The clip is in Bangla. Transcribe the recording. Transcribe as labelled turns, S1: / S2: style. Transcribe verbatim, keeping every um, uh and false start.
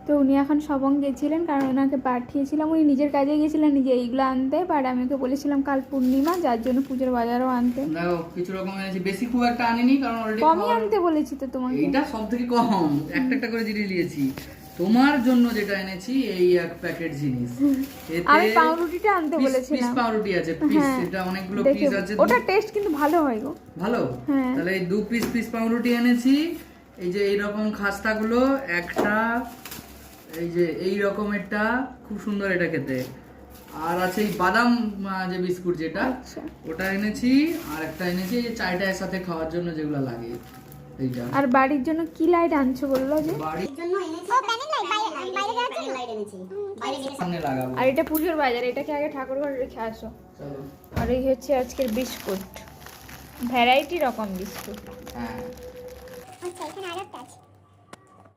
S1: তো উনি এখন সবং গেছিলেন, কারণ ওনাকে পাঠিয়েছিলাম, উনি নিজের কাজে গেছিলেন নিজে এইগুলো আনতে, বাট আমি ওকে বলেছিলাম কাল পূর্ণিমা, যার জন্য পুজোর বাজারও আনতে।
S2: দেখো কিছু রকম এনেছি, বেশি খুব একটা আনিনি কারণ অলরেডি
S1: কমই আনতে বলেছি তো তোমাকে।
S2: এইটা সবথেকে কম, একটা একটা করে জিনিস নিয়েছি। তোমার জন্য যেটা এনেছি এই এক প্যাকেট জিনিস, এতে
S1: আমি পাউরুটিটা আনতে বলেছিলাম।
S2: পিস পাউরুটি আছে, পিস, এটা অনেকগুলো পিস আছে।
S1: ওটা টেস্ট কিন্তু ভালো হয় গো।
S2: ভালো, তাহলে এই দু পিস পিস পাউরুটি এনেছি। এই যে এইরকম খাস্তাগুলো একটা, এই যে এই রকমেরটা খুব সুন্দর এটা খেতে, আর আছে এই বাদাম যে বিস্কুট যেটা, ওটা এনেছি। আর একটা এনেছি এই যে চায়টার সাথে খাওয়ার জন্য যেগুলো লাগে এইটা।
S1: আর বাড়ির জন্য কি লাইট আনছো বললো যে?
S2: বাড়ির জন্য এনেছি ও প্যানেল লাইট, বাইরে বাইরে আছে লাইট এনেছি, বাইরে গিয়ে সামনে লাগাবো।
S1: আর এটা পুজোর বাজার, এটাকে আগে ঠাকুর ঘরে রেখে আসো।
S2: চলো।
S1: আর এই হচ্ছে আজকের বিস্কুট, ভ্যারাইটি রকম বিস্কুট।
S2: হ্যাঁ
S3: আচ্ছা এখানে আরেকটা আছে।